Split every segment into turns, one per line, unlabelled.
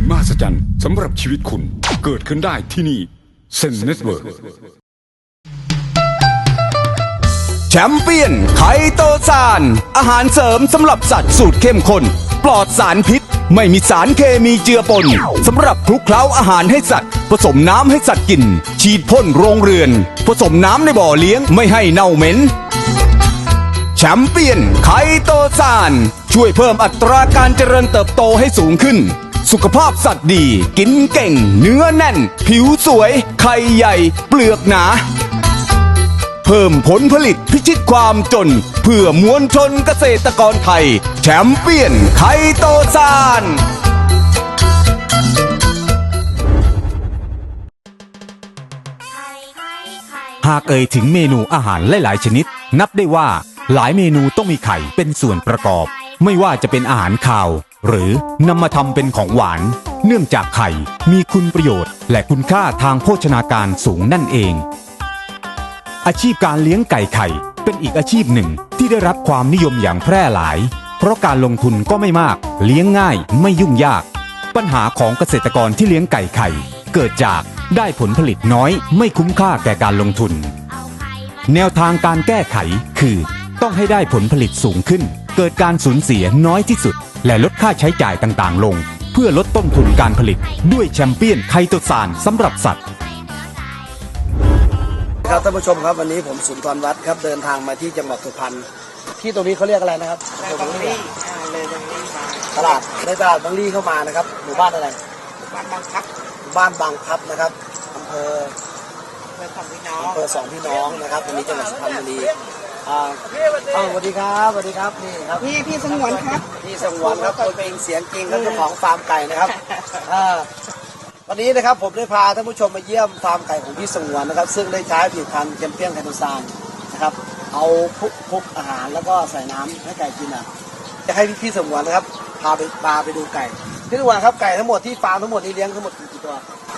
มหัศจรรย์สำหรับชีวิตคุณเกิดขึ้นได้ที่นี่เซนเน็ตเวิร์ก
แชมเปี้ยนไคโตซานอาหารเสริมสำหรับสัตว์สูตรเข้มข้นปลอดสารพิษไม่มีสารเคมีเจือปนสำหรับคลุกเคล้าอาหารให้สัตว์ผสมน้ำให้สัตว์กินฉีดพ่นโรงเรือนผสมน้ำในบ่อเลี้ยงไม่ให้เน่าเหม็นแชมเปี้ยนไคโตซานช่วยเพิ่มอัตราการเจริญเติบโตให้สูงขึ้นสุขภาพสัตว์ดีกินเก่งเนื้อแน่นผิวสวยไข่ใหญ่เปลือกหนาเพิ่มผลผลิตพิชิตความจนเพื่อมวลชนเกษตรกรไทยแชมเปี้ยนไคโตซานหากเอ่ยถึงเมนูอาหารหลายๆชนิดนับได้ว่าหลายเมนูต้องมีไข่เป็นส่วนประกอบไม่ว่าจะเป็นอาหารคาวหรือนำมาทำเป็นของหวานเนื่องจากไข่มีคุณประโยชน์และคุณค่าทางโภชนาการสูงนั่นเองอาชีพการเลี้ยงไก่ไข่เป็นอีกอาชีพหนึ่งที่ได้รับความนิยมอย่างแพร่หลายเพราะการลงทุนก็ไม่มากเลี้ยงง่ายไม่ยุ่งยากปัญหาของเกษตรกรที่เลี้ยงไก่ไข่เกิดจากได้ผลผลิตน้อยไม่คุ้มค่าแก่การลงทุนแนวทางการแก้ไขคือต้องให้ได้ผลผลิตสูงขึ้นเกิดการสูญเสียน้อยที่สุดและลดค่าใช้จ่ายต่างๆลงเพื่อลดต้นทุนการผลิตด้วยแชมเปี้ยนไคโตซานสำหรับสัตว์
ครับท่านผู้ชมครับวันนี้ผมสุนทรวัฒน์ครับเดินทางมาที่จังหวัดสุพรรณที่ตรงนี้เขาเรียกอะไรนะครับบางลี่เลยบางลี่มาตลาดในตลาดบางลี่เข้ามานะครับหมู่บ้านอะไรหมู่บ้านบางพลับหมู่บ้านบางพลับนะครับอำเภอสองพี่น้องนะครับวันนี้จังหวัดสุพรรณบุรีสวัสดีครับสวัสดีครับนี่ครับ
พี่สงวนครับ
พี่สงวนครับตัวเป็นเสียงจริงครับเจ้าของฟาร์มไก่นะครับวันนี้นะครับผมได้พาท่านผู้ชมมาเยี่ยมฟาร์มไก่ของพี่สงวนนะครับซึ่งได้ใช้ผลิตภัณฑ์แชมเปี้ยนไคโตซานนะครับเอาพุกอาหารแล้วก็ใส่น้ำให้ไก่กินจะให้พี่สงวนนะครับพาไปดูไก่พี่สงวนครับไก่ทั้งหมดที่ฟาร์มทั้งหมดนี้เลี้ยงทั้งหมดกี่ตัว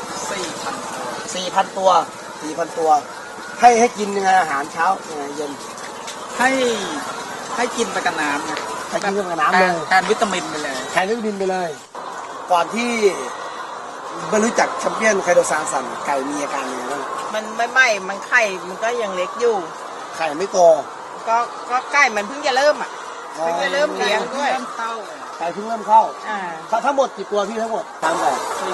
4,000 ตัวให้กินยังไงอาหารเช้ายังไงเย็น
ให้กินไปกับน้ำนะ
ให้กินกับน้ำเลย
แทนวิตามินไปเลย
ก่อนที่ไม่รู้จักแชมเปี้ยนไคโตซานสั่นไก่มีอาการยังไงบ้าง
มันมันไข่มันก็ยังเล็กอยู่
ไข่ไม่โต
ก็ไก่มันเพิ่งจะเริ่มเพิ่งจะเริ่มเลี้ยงด้วย
ไก่เพิ่งเริ่มเข้าทั้งหมดกี่ตัวพี่ทั้งหมดตามไก่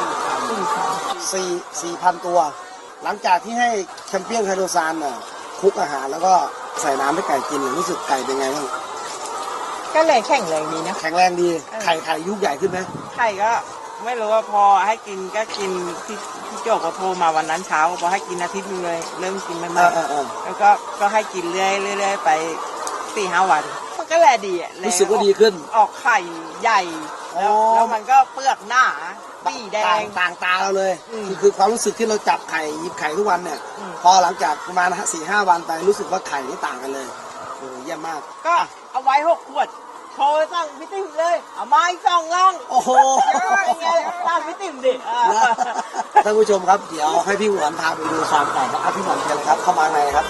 4,000 ตัวหลังจากที่ให้แชมเปี้ยนไคโตซานคลุกอาหารแล้วก็ใส่น้ำให้ไก่กินรู้สึกไก่เป็นไงบ้าง
ก็เลยแข็งแรงดีนะ
แข็งแรงดีไข่ยุบใหญ่ขึ้นไหม
ไข่ก็ไม่รู้ว่าพอให้กินก็กินที่โจกเขาโทรมาวันนั้นเช้าพอให้กินอาทิตย์นึงเลยเริ่มกินไม่มากแล้วก็ให้กินเรื่อยไป4-5 วันมันก็แลดี
รู้สึกว่าดีขึ้น
ออกไข่ใหญ่แล้วมันก็เปลือกหน้าปีแดง
ต่างตาเราเลยคือความรู้สึกที่เราจับไข่หยิบไข่ทุกวันเนี่ยพอหลังจากประมาณ4-5 วันไปรู้สึกว่าไข่นี่ต่างกันเลยเยี่ยมมาก
ก็เอาไว้6 ขวดโทรสั่งพี่ติ๋มเลยเอาไม้2 ล่อง
โอ้โห
ตามพี่ติ๋มดิ
ท่านผู้ชมครับเดี๋ยวให้พี่หวนพาไปดูฟาร์มไก่ครับพี่หวนเชิญเลยครับเข้ามาในครับ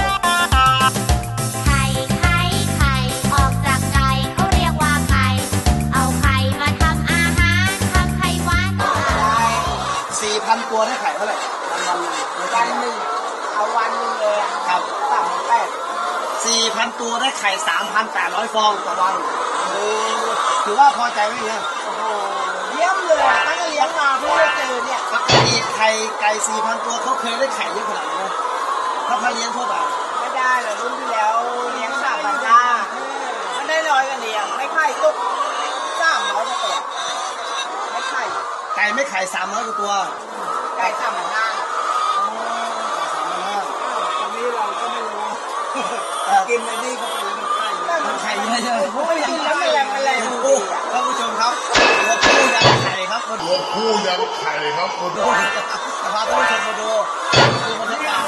ออกจากไก่เขาเรียกว่าไข่เอาไข่มาทำอาหารทำไข่หวานก็อร่อย
4,000 ตัวได้ไข่เท่าไหร่
วันหนึ่งเอาวันนึงเลย
ครับ
4,000
ตัวได้ไข่ 3,800 ฟองต่อวันถือว่าพอใจไหมเนี่ย
โอ้โหเยี่ยมเลยตั้งแต่เลี้ยงมาเพิ่งได้เจอเนี่ย
ปกติไก่ 4,000 ตัวเขาเคยได้ไข่เยอะขนาดไหนถ้าเลี้ยงทั่วไป
ไม่ได้เลยรุ่นที่แล้วเลี้ยง3,500มันได้น้อยกว่านี้ไม่ไข่ตุก300 กว่าตัวไม่ไข่
ไก่ไม่ไข่300 กว่าตัว
ไก่3,500ตอนนี้เราก็ไม่รู้กินในนี่ก็เป็น
มันไข่เยอะๆ
ไม่กินแล้วไม่แรง
ท่านผู้ชมครับตัวผู้ยันไข่ครับจะพาท่านผู้ชมมาดูบรรยากาศ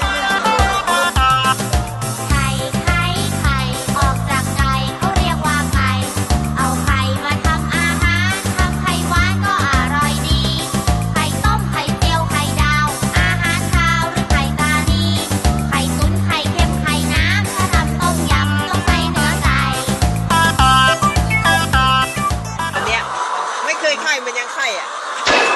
ไข่ออกจากไก่เขาเรียกว่าไข่เอาไข่มาทำอาหารทำไข่หวานก็อร่อยดีไข่ต้มไข่เจียวไข่ดาวอาหารคาวหรือไข่ตานีไข่ตุ๋นไข่เค็มไข่น้ำถ้าทำต้มยำต้องใส่เนื้อไก่
อันเนี้ยไม่เคยไข่มันยังไข่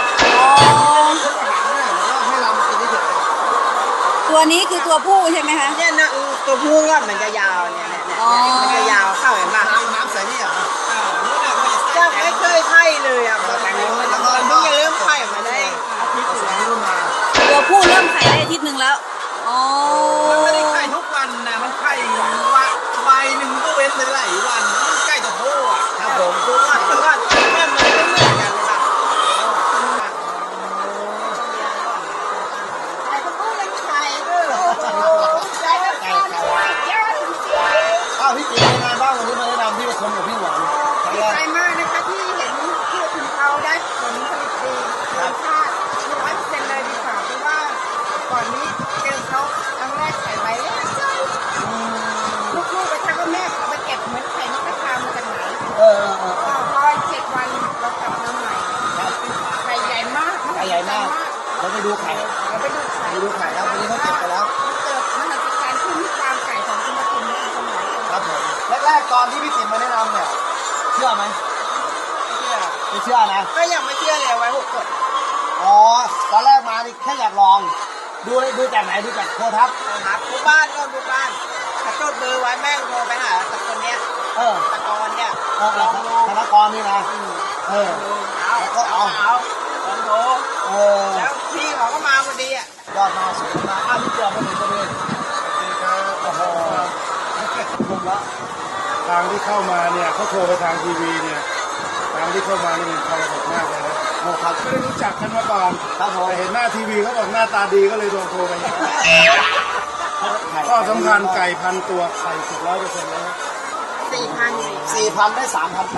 ตัวผู้ใช่ไหมคะ
เนี่ยนะตัวผู้ก็มันจะยาวเนี่ยมันจะยาวเข้าเห็นป่ะ
น้ำใสนี่เหรอ
จะไม่เคยไข่เลยอ่ะมันเพิ่งจะเริ่มไข่มาได้อาทิตย์นึงแล้ว
ตัวผู้เริ่มไข่ได้อาทิตย์หนึ่งแล้วอ๋อ
มันไม่ได้ไข่ทุกวันนะมันไข่วันหนึ่งก็เว้นไปหลายวันมันใกล้จะโพ่อะครับผม
ตัวว่ามันไม่เหมือนกันเลยป่ะไข่ตัวผู้เลยไข่ไข่แล้วก็เยอะจริง
อ้าวพี่ติ๋มเป็นไงบ้างวันนี้มาแนะนำที่ประชมกับพี่หวานครั้ง
ดี
แรก
ใจมากนะคะที่เห็นที่ถึงเขาได้ผลผลิตดีรสชาติ100%เลยดีกว่าเพราะว่าก่อนนี้เจอเขาครั้งแรกใส่ใบเล็กลูกๆไปทักว่าแม่เอาไปเก็บเหมือนไข่นกกระทามาจากไหน
เออ
พอ7 วันเรากลับมาใหม่ไข่ใหญ่มาก
ไข่ใหญ่มากเราไปดูไข่
เราไปดูไข่
ไปดูไข่ครับวันนี้เขาเก็บไปแล้ว
เกิดมหัศจรรย์ขึ้นที่ฟาร์มไก่ของคุณปทุมในสมัย
ครับผมแรกๆตอนที่พี่ติ๋มมาแนะนำเนี่ยเชื่อไหมไม่เชื่อนะ
ก็ยังไม่เชื่อเลยไว้6 ขวด
อ๋อตอนแรกมานี่แค่อยากลองดูจากไหนดูจากโทรทัศน์
นะครับทุกบ้านก็ทุกบ้านถ้าจดเบอร์ไว้แม่งโทรไปหาตะคนเนี้ย
เออ
ตะกอนเนี่ย
ธนกรนี่นะเออ
เอาลองโทร
เออ
แล้วพี่เขาก็มาพอดีอ่ะ
ยอดมาสวยมาอ้าวพี่เจียวมาถึงตัวเองโอ้โหผมละ
ทางที่เข้ามาเนี่ยเขาโทรไปทางทีวีเนี่ยทางที่เข้ามานี่มันทรหดมากเลยนะ
โอ้ครับ
ไม่ได้รู้จักกันมาก่อน
ครับผม
แต่เห็นหน้าทีวีเขาบอกหน้าตาดีก็เลยโทรไปข้อสำคัญไก่พันตัวไข่สุก100%แล้ว
4,000
4,000ได้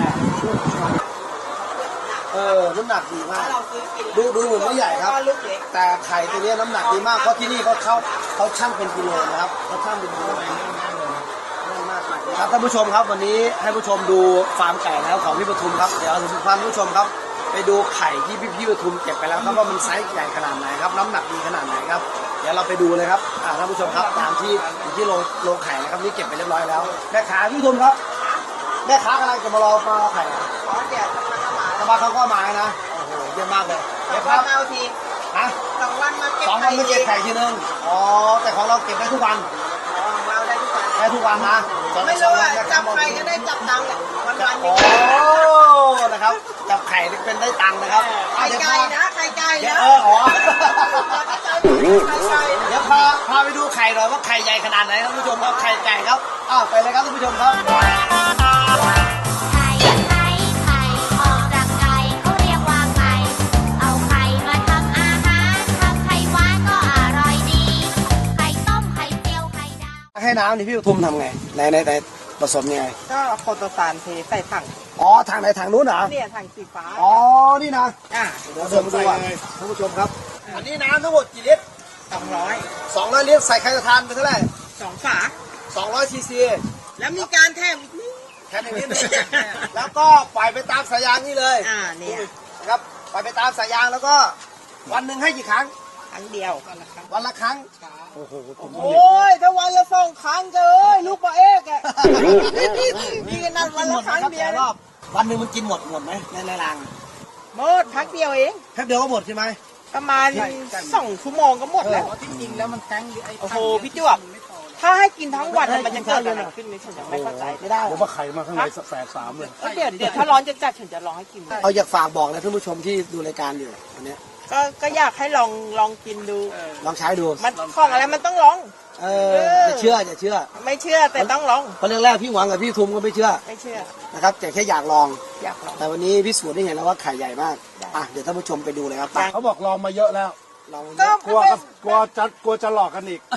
3,800น้ำหนักดีมาก
เราซื้อกิน
ดูเหมือนไม่ใหญ่ครับ
ก็ลูกเล็ก
แต่ไข่ตัวนี้น้ำหนักดีมากเพราะที่นี่เขาชั่งเป็นกิโลนะครับเขาชั่งเป็นกิโลแน่นมากครับท่านผู้ชมครับวันนี้ให้ผู้ชมดูฟาร์มไก่แล้วของพี่ปทุมครับเดี๋ยวทุกท่านผู้ชมครับไปดูไข่ที่พี่ปทุมเก็บไปแล้วครับว่ามันไซส์ใหญ่ขนาดไหนครับน้ำหนักดีขนาดไหนครับเดี๋ยวเราไปดูเลยครับท่านผู้ชมครับตามที่อยู่ที่โรงไข่นะครับนี่เก็บไปเรียบร้อยแล้วแม่ค้าพี่ปทุมครับแม่ค้ากำลังจะมารอไข่
ขอเดี๋ยวทำมา
สมาเขาก็มานะโอ้โหเยี่ยมมากเลยเดี๋ยวครับ
เอาที
ฮะ
2 วันมาเก็บ
2 วันไม่เก็บไข่ทีนึงอ๋อแต่ของเราเก็บได้ทุกวัน
ของเราได้ทุกวัน
ได้ทุกวันนะ
ไม่รู้ว่าจับใครก็ได้จับตังค์แหละวันๆ
โอ้
นี้
นะครับจับไข่เป็นได้ตังค์นะครับ
ไข่ไก่นะไข่ไก่
เดี๋ยว
นะ
อ๋อ
ไข่ไก่
เดี๋ยวพาไปดูไข่หน่อยว่าไข่ใหญ่ขนาดไหนครับท่านผู้ชมครับไข่ไก่ครับไปเลยครับท่านผู้ชมครับ
ไข่ไข่ไข่ออกจากไก่เขาเรียกว่าไข่เอาไข่มาทำอาหารทำไข่หวานก็อร่อยดี ไข่ต้มไข่เจียวไข่ดาว
ให้น้ำนี่พี่ปทุมทำไงในผสมยังไง
ก็โคโตซานเทใส่ถัง
อ๋อทางไหนทางนู้นเหรอ
เนี่ยถังสีฟ้า
อ๋อนี่นะ
200
เดี๋ยวเดินมาดูอ่ะท่านผู้ชมครับอันนี้น้ำทั้งหมดกี่ลิตร200ลิตรใส่ไข่กระทานไปเท่าไหร่
2 ฝา
200 ซีซี
แล้วมีการแถมอีกนิด
แค่นี้นี่แล้วก็ปล่อยไปตามสายยางนี่เลย
เนี่ย
นะครับปล่อยไปตามสายยางแล้วก็วันหนึ่งให้กี่ครั้ง
ครั้งเดียว
วันละครั้งโอ้โห
โอ้ยถ้าวันละ2 ครั้งเจอลูกปลาเอกอะนี่ก็นั่นวันละครั้งเดียว
รอบวันหนึ่งมันกินหมดไหมในราง
หมดพักเดียวเอง
แค่เดียวก็หมดใช่ไหม
ประมาณ2 ชั่วโมงก็หมดแล้ว
ที่จริงแล้วมันแท้ง
โอ้โหพี่จวบถ้าให้กินทั้งวันมันจะเกิดอะไรขึ้นนี่ฉันยังไม่เข้าใจ
ไม่ได้
ผมว่าไข่มาข้างในแสบสามเลย
เดี๋ยวถ้าร้อนจัดๆฉันจะลองให้กิน
เอาอยากฝากบอกเลยท่านผู้ชมที่ดูรายการอยู่วันนี้
ก็อยากให้ลองกินดู
ลองใช้ดู
มันของอะไรมันต้องลอง
อย่าเชื่อ
ไม่เชื่อแต่ต้องลอง
เพราะแรกๆพี่หวังกับพี่ทุมก็ไม่เชื่อ
ไม่เชื่อ
นะครับแต่แค่อยากลอง
อยากลอง
แต่วันนี้พิสูจน์ได้เห็นแล้วว่าไข่ใหญ่มากเดี๋ยวท่านผู้ชมไปดูเลยครับ
เขาบอกลองมาเยอะแล้ว
ลอง
ก็
กลัวจะหลอกกันอีก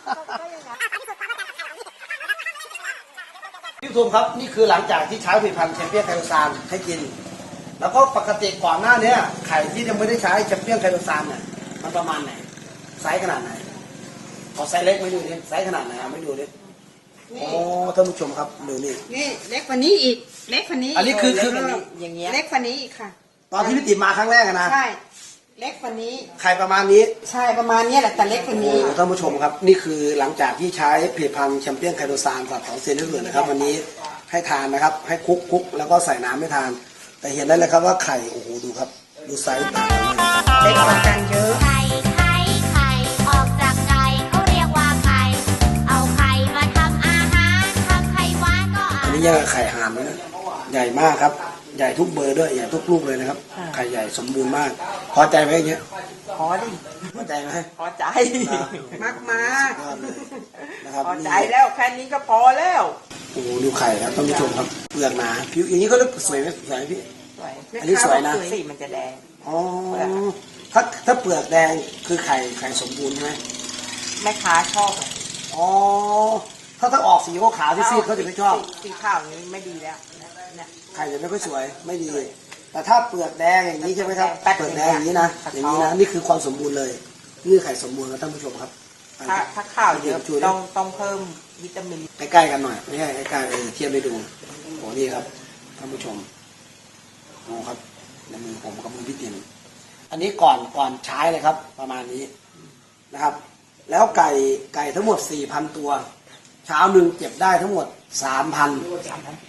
พี่ทุมครับนี่คือหลังจากที่ใช้ผลิตภัณฑ์แชมเปี้ยนไคโตซานให้กิน แล้วก็ปกติก่อนหน้านี้ไข่ที่ยังไม่ได้ใช้แชมเปี้ยนไคโตซานเนี่ยมันประมาณไหนไซส์ขนาดไหนขอไซส์เล็กไม่ดูดิไซส์ขนาดไหนไม่ดูดิโอ้ท่านผู้ชมครับดูนี่
นี่เล็กกว่านี้อีก เล็กกว่านี้
อันนี้คือ
อย่างเงี้ย
เล็กกว่านี้อีกค่ะ
ตอนที่พี่ติ๋มมาครั้งแรกอะนะ
ใช่ เล็กกว่านี้
ไข่ประมาณนี้
ใช่ประมาณนี้แหละแต่เล็กกว่านี้
ท่านผู้ชมครับนี่คือหลังจากที่ใช้ผลิตภัณฑ์แชมเปี้ยนไคโตซานกับของเซนต์เหลืองนะครับวันนี้ให้ทานนะครับให้คลุกแล้วก็ใส่น้ำให้ทาน แต่เห็นได้เลยครับว่าไข่โอ้โหดูครับดูไซส์ต่างกันเลย
เล็กกว่ากันเยอะ
ไข่ไข่ไข่ออกจากไก่เขาเรียกว่าไข่
ทียบกับไข่ห่านเลยนะใหญ่มากครับ ใหญ่ทุกเบอร์ด้วยใหญ่ทุกลูกเลยนะครับไข่ใหญ่สมบูรณ์มากพอใจไหมอย่างเงี้ย
พอดิ
พอใจไหม
พอใจ
มากมาก
ยอดเลยนะครับ
พอใจแล้วแค่นี้ก็พอแล้ว
โอ้โหดูไข่ครับท่านผู้ชมครับเปลือกหนาผิวอย่างนี้ก็เรียกสวยไหมสวยไหมพี่
สวย
อันนี้สวยนะ
สีมันจะแดง
อ๋อถ้าเปลือกแดงคือไข่สมบูรณ์ใช่ไหม
แม่ค้าชอบ
อ๋อถ้าออกสีขาวๆซีดๆเขาจะไม่ชอบ
สีขาวนี้ไม่ดีแล้วเนี่ย
ไข่จะไม่ค่อยสวยไม่ดี แต่ถ้าเปลือกแดงอย่างนี้ใช่ไหมครับ
แป๊ด
เปลือกแดงอย่างนี้นะอย่างนี้นะนี่คือความสมบูรณ์เลยนี่ไข่สมบูรณ์นะท่านผู้ชมครับ
ถ้าข้าวเยอะต้องเพิ่มวิตามิน
ใกล้ๆกันหน่อยไม่ใช่ใกล้ๆเทียบไปดูโอ้นี่ครับท่านผู้ชมโอ้ครับในมือผมกับมือพี่ติ๋มอันนี้ก่อนใช้เลยครับ ประมาณนี้นะครับ แล้วไก่ทั้งหมด 4,000 ตัวเช้าหนึ่งเก็บได้ทั้งหมด 3,800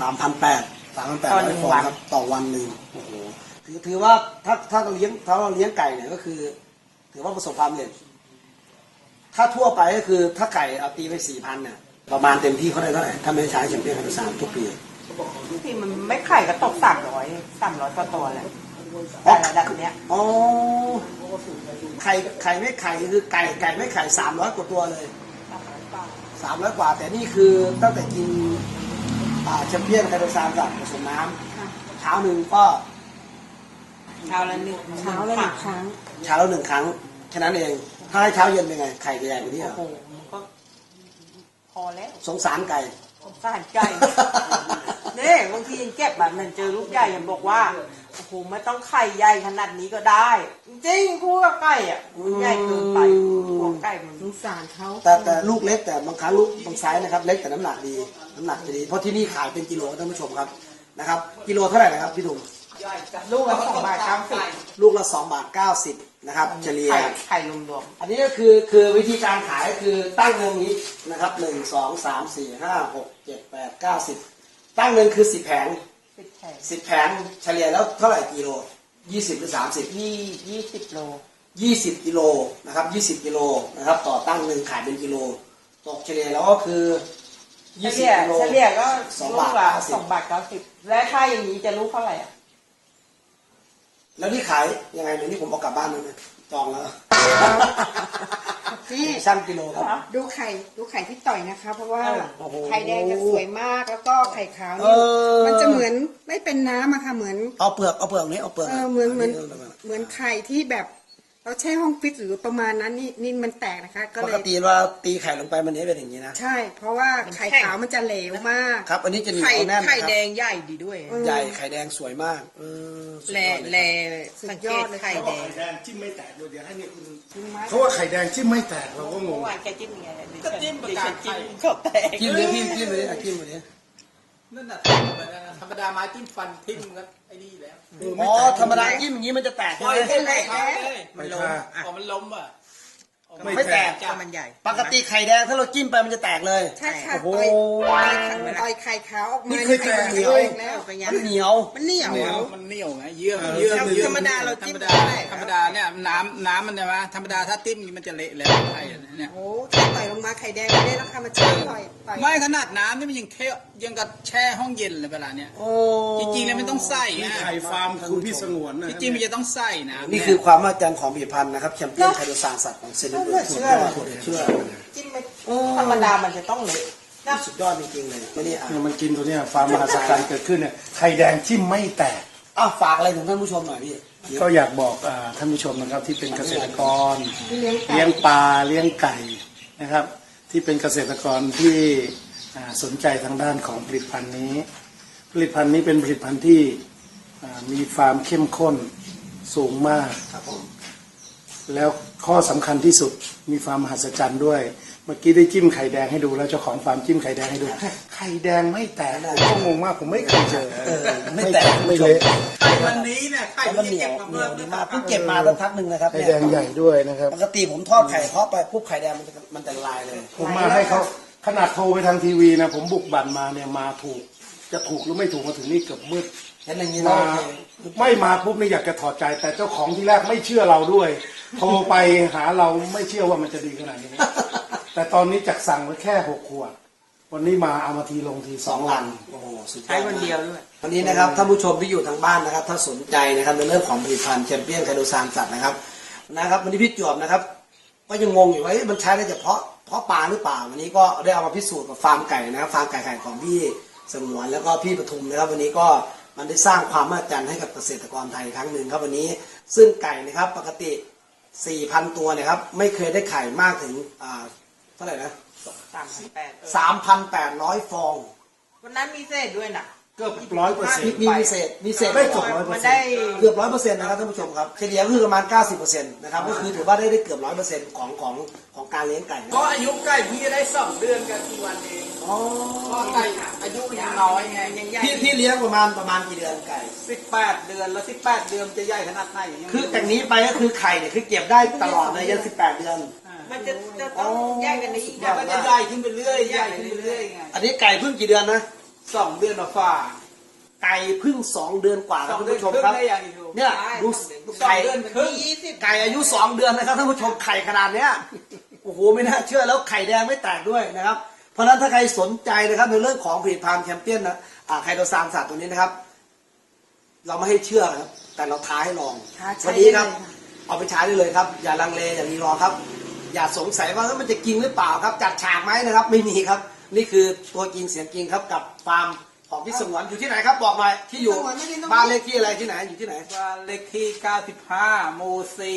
ฟองครับต่อวันหนึ่งโอ้โหถือว่าถ้าเราเลี้ยงไก่เนี่ยก็คือ ถือว่าประสบความสำเร็จถ้าทั่วไปก็คือถ้าไก่เอาตีไป 4,000เนี่ยประมาณเต็มที่เขาได้เท่าไหร่ถ้าไม่ใช้แชมเปี้ยนไทย3ทุกปี
ที่มันไม่ไข่ก็ตก300กว่าตัวแหละแต่ระดับเนี้ย
อ๋อไข่ไม่ไข่คือไก่ไม่ไข่300กว่าตัวเลย300กว่าแต่นี่คือตั้งแต่กินแชมเปี้ยนไทยกับผสมน้ำเช้าหนึ่งก็
เช้าละหนึ่ง
เช้าละหนึ่งครั้ง
เช้าแล้ว1 ครั้งแค่นั้นเองถ้าให้เช้าเย็นเป็นไงไข่จะใหญ่กว่านี้เหรอ
โอ้โหมันก็พอแล้ว
สงสารไก่
สงสารไก่เนี่ยบางทียังเก็บแบบมันเจอลูกใหญ่ยังบอกว่าโอ้โหไม่ต้องไข่ใหญ่ขนาดนี้ก็ได้ จริงๆพูดกับไก่อ่ะมันใหญ่เกินไปพวกไก่มัน
สงสารเขา
แต่ลูกเล็กแต่บางครั้งลูกบางไซส์นะครับเล็กแต่น้ำหนักดีน้ำหนักจะดีเพราะที่นี่ขายเป็นกิโลท่านผู้ชมครับนะครับกิโลเท่าไหร่นะครับพี่ดุม
ลูกละ2.90
ลูกละ2.90 นะครับเฉลี่ย
ไข่รวม
อันนี้ก็คือวิธีการขายคือตั้งเงินนี้นะครับ1 2 3 4 5 6 7 8 9 10ตั้งเงินคือ10 แผง
10 แผง
10 แผงเฉลี่ยแล้วเท่าไหร่กิโล20หรือ30
20 โล
20 กิโลนะครับ20 กิโลนะครับต่อตั้งหนึ่งขายเป็นกิโลตกเฉลี่ยแล้วก็คือ20 กิโล
เฉลี่ยก็
2
ลู
บาก ท
ละ
90
2.90 และถ้าอย่างนี้จะลูกเท่าไหร่อ่ะ
แล้วนี่ขายยังไงเนี่ยนี่ผมเอากลับบ้านแล้วนะจองแล้ว
นี่
ช่างกิโลครับ
ดูไข่ที่ต่อยนะคะ เพราะว่า
โอ้โห
ไข่แดงจะสวยมากแล้วก็ไข่ขาว
เอ
นี่
อ
มันจะเหมือนไม่เป็นน้ำอะค่ะเหมือน
เอาเปลือกนี้เอาเปลือก
เหมือนไข่ที่แบบเราแช่ห้องฟิตหรือประมาณนั้นนี่มันแตกนะคะ ก็
ป
เล
ก
ย
ติว่าตีไข่ลงไปมันนี้เป็นอย่างนี้นะ
ใช่ เพราะว่าไข่ขาวมันจะเหลวมาก
ครับ อันนี้จะเหนียวแน่นนะครับ
ไข่แดงใหญ่ดีด้วย
ใหญ่ไข่แดงสวยมากสุดยอดเลยครับ
สังเกตไข่แดง
ไข่แดงจิ้มไม่แตกเลยเดี๋ยวให้เนี่ยคุณเขาว่าไข่แดงจิ้มไม่แตกเราก็ง
เมื่
ง
อวานแกจิ้มยังไงก็จิ้มประกาศจิ้มก็แตก
จิ้มเลยพี่จิ้มเลยจิ้มเลย
นั่นน่ะธรรมดาไม้จิ้มฟันทิ่มก็ไอ้นี่แล้ว
อ๋อธรรมดาจิ้มอย่างนี้มันจะแตกใช่ไหม
มันล้มพอมันล้มอ่ะ
ไม่แตก
จ้ามันใหญ่
ปกติไข่แดงถ้าเราจิ้มไปมันจะแตกเลย
ใช่ค่ะ
โอ้โห
ต่อยไข่ขาวออกมา
นี่เคยแตก
เห
เหนี
นี
ย
ยว วแล้ว
มันเหนียว
มันเหนียว
มันเหนียวไงเยื่อมันเยื่อ
ธรรมดาเราจิ้ม
ธรรมดาธรรมดาเนี่ยน้ำมันใช่ไหมธรรมดาถ้าจิ้มมันจะเละแล้วไข่เนี่ย
โอ้ไข่ต่อยลงมาไข่แดงไม่ได้ราคามาเชื่อต่อย
ไม่ขนาดน้ำนี่มันยังกับแช่ห้องเย็นเลยเวลาเนี้ย
โอ้
จริงๆแล้วไม่ต้องใส่
นี่
นะ
ไข่ฟาร์มคุณพี่สงวนนะ
จริงๆมันจะต้องใส่นะ
นี่คือความมหัศจรรย์ของผลิตภัณฑ์นะครับแชมเปี้ยนไคโดซานสัตว์ของเซนต์เบิร์ก
เชื่อ
เชื่อ
จิ้มไม่ธรรมดามันจะต้องเละ
สุดยอดจริงๆเลยไม่ได้อ่าน
เนี่ยมันกินตัวเนี้ยฟาร์มมหัศจรรย์เกิดขึ้นเนี่ยไข่แดงจิ้มไม่แตก
อ้าวฝากอะไรถึงท่านผู้ชมหน่อยพี่
ก็อยากบอกท่านผู้ชมนะครับที่เป็นเกษตรกรเลี้ยงปลาเลี้ยงไก่นะครับ ที่เป็นเกษตรกรที่สนใจทางด้านของผลิตภัณฑ์นี้ ผลิตภัณฑ์นี้เป็นผลิตภัณฑ์ที่มีความเข้มข้นสูงมาก
ครับผม
แล้วข้อสำคัญที่สุดมีความมหัศจรรย์ด้วย เมื่อกี้ได้จิ้มไข่แดงให้ดูแล้วเจ้าของฟาร์มจิ้มไข่แดงให้ดูไข่แดงไม่แตกผมก็งงมากผมไม่เคยเจอ
ไม่แตก
ไม่เละ
ไข่วันนี้เนี่ยไข่
แต่มันเหนียวเหนียวดีมากเพิ่งเก็บมาตั้งพักหนึ่งนะครับ
ไข่แดงใหญ่ด้วยนะครับ
ปกติผมทอดไข่ทอดไปปุ๊บไข่แดงมันจะละลายเลย
ผมมาให้เขาขนาดโทรไปทางทีวีนะผมบุกบั่นมาเนี่ยมาถูกจะถูกหรือไม่ถูกมาถึงนี่เกือบมืด
เห็นอย่างนี้แล้ว
มา
โอเค
ไม่มาปุ๊บนี่อยากจะถอดใจ แต่เจ้าของที่แรกไม่เชื่อเราด้วย โทรไปหาเราไม่เชื่อว่ามันจะดีขนาดนี้ แต่ตอนนี้จากสั่งไว้แค่6 ขวดวันนี้มาเอามาทีลงที
สองลังโอ้โหสุดยอด
ใช้วันเดียวด้วย
วันนี้นะครับท่านผู้ชมที่อยู่ทางบ้านนะครับถ้าสนใจนะครับในเรื่องของผลิตภัณฑ์แชมเปี้ยนไคโตซานสัตว์นะครับวันนี้พี่จวบนะครับก็ยังงงอยู่ว่ามันใช้ได้เฉพาะปลาหรือเปล่าวันนี้ก็ได้เอามาพิสูจน์กับฟาร์มไก่นะครับฟาร์มไก่ของพี่สงวนแล้วก็พี่ปทุมนะครับวันนี้ก็มันได้สร้างความมหัศจรรย์ให้กับเกษตรกรไทยครั้งหนึ่งครับวันนี้ซึ่งไก่นะครับปกติ 4,000 ตัวนะครับไม่เคยได้ไข่มากถึงเท่าไหร่นะ 3,800 ฟอง
วันนั้นมีเศษด้วยนะ
เกือบ100%
มีเศษ
ไม่จบ
มันได้
เกือบ 100% นะครับท่านผู้ชมครับเฉลี่ยก็คือประมาณ 90% นะครับก็คือถือว่าได้เกือบ 100% ของการเลี้ยงไก่
ก็อายุไก่พี่ได้2 เดือนกับกี่วันเอง
อ๋อ
ก็ไก่อายุยังน้อยไงยังใหญ่
พี่เลี้ยงประมาณกี่เดือนไก่
18 เดือนแล้ว18 เดือนจะใหญ่ขนาดไหนยังไม่รู้
คือจากนี้ไปก็คือไข่เนี่ยคือเก็บได้ตลอดเลยยัน18 เดือน
มันจะต้องแยกกันในอีก
เดี๋ยวมันจะใหญ่ขึ้นไปเรื่อยใหญ่ขึ้นไปเรื่อยไง
อันนี้ไก่เพิ่งกี่เดือนนะ
2 เดือนฝ่า
ไก่เพิ่ง2 เดือนกว่าครับ
2
ท่าน
เดือน
ผู้ชม
ครึ่ง
ครับ
ได้ยังอีกดู
เนี่ยดู
ไก่
ไก่
เดือนครึ่ง
ไก่อายุ2 เดือนนะครับท่านผู้ชมไข่ขนาดเนี้ยโอ้โหไม่น่าเชื่อแล้วไข่แดงไม่แตกด้วยนะครับเพราะฉะนั้นถ้าใครสนใจนะครับในเรื่องของผลิตภัณฑ์แชมเปี้ยนนะไคโตซานสัตว์ตัวนี้นะครับ เราไม่ให้เชื่อครับแต่เราท้าให้ลอง
ใช้
วันนี้ครับ
ได้เลยค่ะ
เอาไปใช้ได้เลยครับ อย่าลังเลอย่ารีรอครับ อย่าสงสัยว่ามันจะกินหรือเปล่าครับจัดฉากไหมนะครับ ไม่มีครับ นี่คือตัวจริงเสียงจริงครับกับฟาร์มของพี่สงวนอยู่ที่ไหนครับบอกหน่อยที่อยู่บ้านเลขที่อะไรที่ไหนอยู่ที่ไหน
บ้านเลขที่ 95 หมู่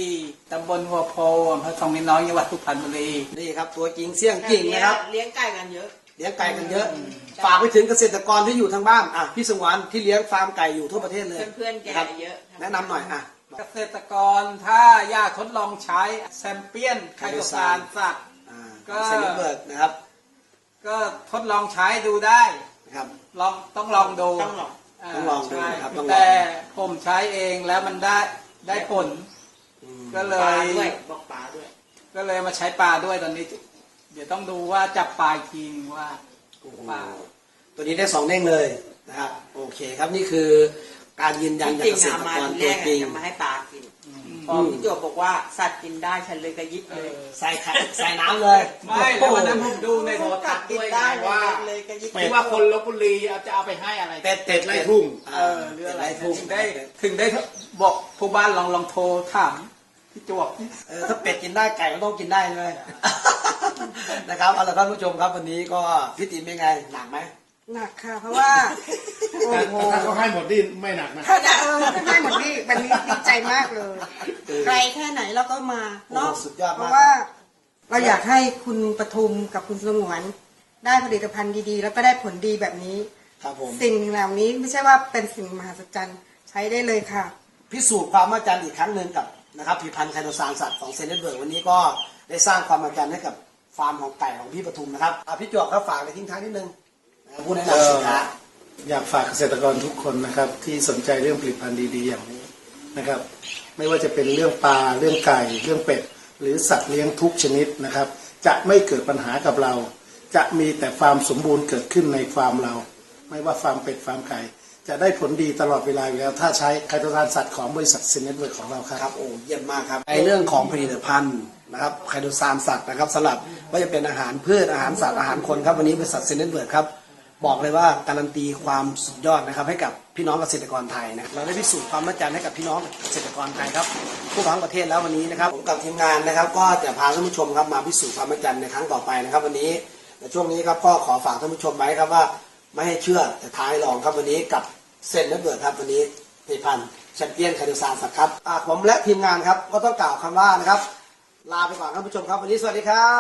4 ตำบลหัวโพอำเภอทองนิน้อยจังหวัดสุพรรณบุรี
นี่ครับตัวจริงเสียงจริงนะครับ
เลี้ยงไก่กันเยอะ
เลี้ยงไก่กันเยอะ ฝากไปถึงเกษตรกรที่อยู่ทางบ้านพี่สงวนที่เลี้ยงฟาร์มไก่อยู่ทั่วประเทศเลย
เพื่อนๆแก
ครับ
เยอะ
แนะนำหน่อย
เกษตรกรถ้าอยากทดลองใช้แชมเปี้ยนไคโตซานสัตว์
ก็เซนิเบิร์กนะครับ
ก็ทดลองใช้ดูได้
นะครับ
ต้องลองดู
ต้องลองดู
ใช่
ครับต้องลอง
แต่ผมใช้เองแล้วมันได้ผล ก็เล
ปลาย ด้วยบอกปลาด้วย
ก็เลยมาใช้ปลาด้วยตอนนี้ เดี๋ยวต้องดูว่าจับปลาอีกทีนึงว่าปลา
ตัวนี้ได้2 เด้งเลยนะครับโอเคครับนี่คือการยืนยันจาก
จริง
เกษ
ๆ
ตร
มาก
ร
ที
ตัว
แรก
จริง
จะมาให้ปลากินพอพี่โจบอกว่าสัตว์กินได้ฉันเลยกระยิบเลย
ใส่น้ำเลย
ไม่แล้ววันนั้นผมดูในโทรทั
สั
ศ
ต
น์
ว์กิ
ด้
น
วย
ได้
ว่า
เลยกระยิบ
ที่ว่าคนลบบุรีจะเอาไปให้อะไร
เป็ดไล่ทุ่ง
หรืออะไร
ไล่ทุ่ง
ถึงได้บอกผู้บ้านลองโทรถามพี่จวบ
ถ้าเป็ดกินได้ไก่ก็ต้องกินได้เลย นะครับเอาละท่านผู้ชมครับวันนี้ก็พี่ติ๋มเป็นไงหนักไหม
หนักค่ะ เพราะว่าโอ้โห
ถ้าเขาให้หมดนี่ไม่หนักนะ
ถ้าได้หมดนี่วันนี้ดีใจมากเลย ไกลแค่ไหนเราก็มาเนาะ
โอ้สุดยอดมาก
เพราะว่าเราอยากให้คุณปทุมกับคุณสงวน ได้ผลิตภัณฑ์ดีๆ แล้วก็ได้ผลดีแบบนี้
ครับผม
สิ่งเหล่านี้ไม่ใช่ว่าเป็นสิ่งมหัศจรรย์ใช้ได้เลยค่ะ
พิสูจน์ความมหัศจรรย์อีกครั้งหนึ่งกับนะครับผลิตภัณฑ์ไคโตซานสัตว์ของเซนเนตเบิร์กวันนี้ก็ได้สร้างความมหัศจรรย์ให้กับฟาร์มของไก่ของพี่ปทุมนะครับพี่จวบครับฝากในทิ้งท้ายนิดนึงผู้แนะนำสินค้า
อยากฝากเกษตรกรทุกคนนะครับที่สนใจเรื่องผลิตภัณฑ์ดีๆอย่างนี้นะครับ ไม่ว่าจะเป็นเรื่องปลาเรื่องไก่เรื่องเป็ดหรือสัตว์เลี้ยงทุกชนิดนะครับ จะไม่เกิดปัญหากับเรา จะมีแต่ความสมบูรณ์เกิดขึ้นในฟาร์มเรา ไม่ว่าฟาร์มเป็ดฟาร์มไก่จะได้ผลดีตลอดเวลาอยู่แล้ว ถ้าใช้ไคโตซานสัตว์ของบริษัทเซนเนตเวิร์กของเราครับ
ครับโอ้เยี่ยมมากครับในเรื่องของผลิตภัณฑ์นะครับไคโตซานสัตว์นะครับสำหรับว่าจะเป็นอาหารพืชอาหารสัตว์อาหารคนครับวันนี้บริษัทเซนเนตเวิร์กครับบอกเลยว่าการันตีความสุดยอดนะครับให้กับพี่น้องเกษตรกรไทยนะเราได้พิสูจน์ความมั่นใจให้กับพี่น้องเกษตรกรไทยครับผู้ทั้งประเทศแล้ววันนี้นะครับผมกับทีมงานนะครับก็จะพาท่านผู้ชมครับมาพิสูจน์ความมั่นใจในครั้งต่อไปนะครับวันนี้ในช่วงนี้ครับก็ขอฝากท่านผู้ชมไว้ครับว่าไม่ให้เชื่อแต่ท้ายลองครับวันนี้กับเซนเนตเวิร์กครับวันนี้ผลิตภัณฑ์แชมเปี้ยนไคโตซานสัตว์ครับผมและทีมงานครับก็ต้องกล่าวคำว่านะครับลาไปก่อนท่านผู้ชมครับวันนี้สวัสดีครับ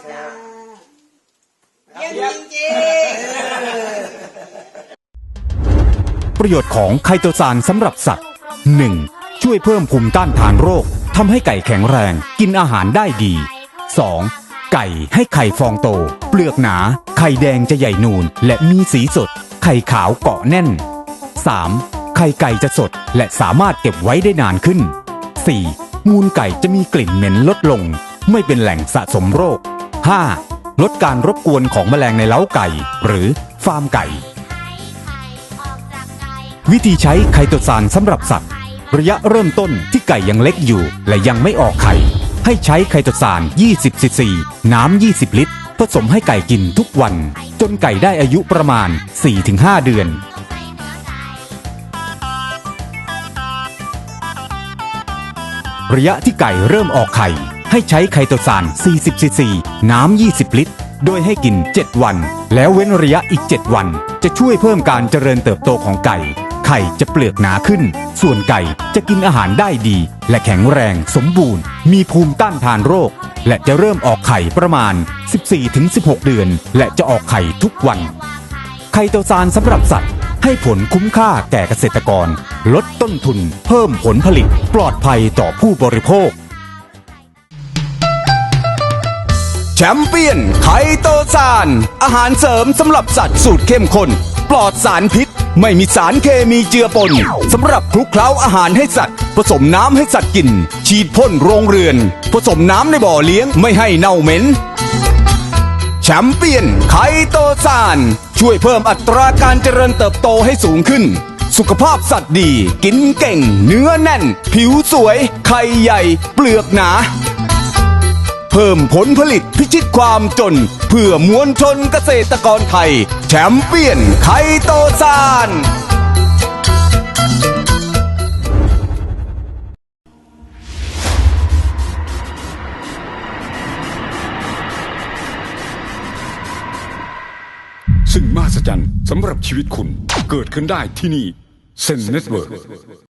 เยี่ยมจริงๆ
ประโยชน์ของไคโตซานสำหรับสัตว์ 1. ช่วยเพิ่มภูมิต้านทานโรคทำให้ไก่แข็งแรงกินอาหารได้ดี 2. ไก่ให้ไข่ฟองโต เปลือกหนา ไข่แดงจะใหญ่นูนและมีสีสด ไข่ขาวเกาะแน่น 3. ไข่ไก่จะสดและสามารถเก็บไว้ได้นานขึ้น 4. มูลไก่จะมีกลิ่นเหม็นลดลง ไม่เป็นแหล่งสะสมโรค 5. ลดการรบกวนของแมลงในเล้าไก่ หรือฟาร์มไก่ วิธีใช้ไคโตซานสำหรับสัตว์ ระยะเริ่มต้นที่ไก่ยังเล็กอยู่และยังไม่ออกไข่ ให้ใช้ไคโตซาน20 ซีซี น้ำ 20 ลิตรผสมให้ไก่กินทุกวัน จนไก่ได้อายุประมาณ 4-5 เดือน ระยะที่ไก่เริ่มออกไข่ให้ใช้ไคโตซาน40 ซีซี น้ำ 20 ลิตร โดยให้กิน 7 วัน แล้วเว้นระยะอีก 7 วัน จะช่วยเพิ่มการเจริญเติบโตของไก่ ไข่จะเปลือกหนาขึ้น ส่วนไก่จะกินอาหารได้ดี และแข็งแรงสมบูรณ์ มีภูมิต้านทานโรค และจะเริ่มออกไข่ประมาณ 14-16 เดือน และจะออกไข่ทุกวัน ไคโตซานสำหรับสัตว์ให้ผลคุ้มค่าแก่เกษตรกร ลดต้นทุน เพิ่มผลผลิต ปลอดภัยต่อผู้บริโภค แชมเปี้ยนไคโตซานอาหารเสริมสำหรับสัตว์สูตรเข้มข้นปลอดสารพิษ ไม่มีสารเคมีเจือปนสำหรับคลุกเคล้าอาหารให้สัตว์ ผสมน้ำให้สัตว์กิน ฉีดพ่นโรงเรือน ผสมน้ำในบ่อเลี้ยงไม่ให้เน่าเหม็น แชมเปี้ยนไคโตซานช่วยเพิ่มอัตราการเจริญเติบโตให้สูงขึ้น สุขภาพสัตว์ดี กินเก่ง เนื้อแน่น ผิวสวย ไข่ใหญ่ เปลือกหนา เพิ่มผลผลิตพิชิตความจน เพื่อมวลชนเกษตรกรไทย แชมเปี้ยนไคโตซาน
ซึ่งมหัศจรรย์สำหรับชีวิตคุณเกิดขึ้นได้ที่นี่เซนเน็ตเวิร์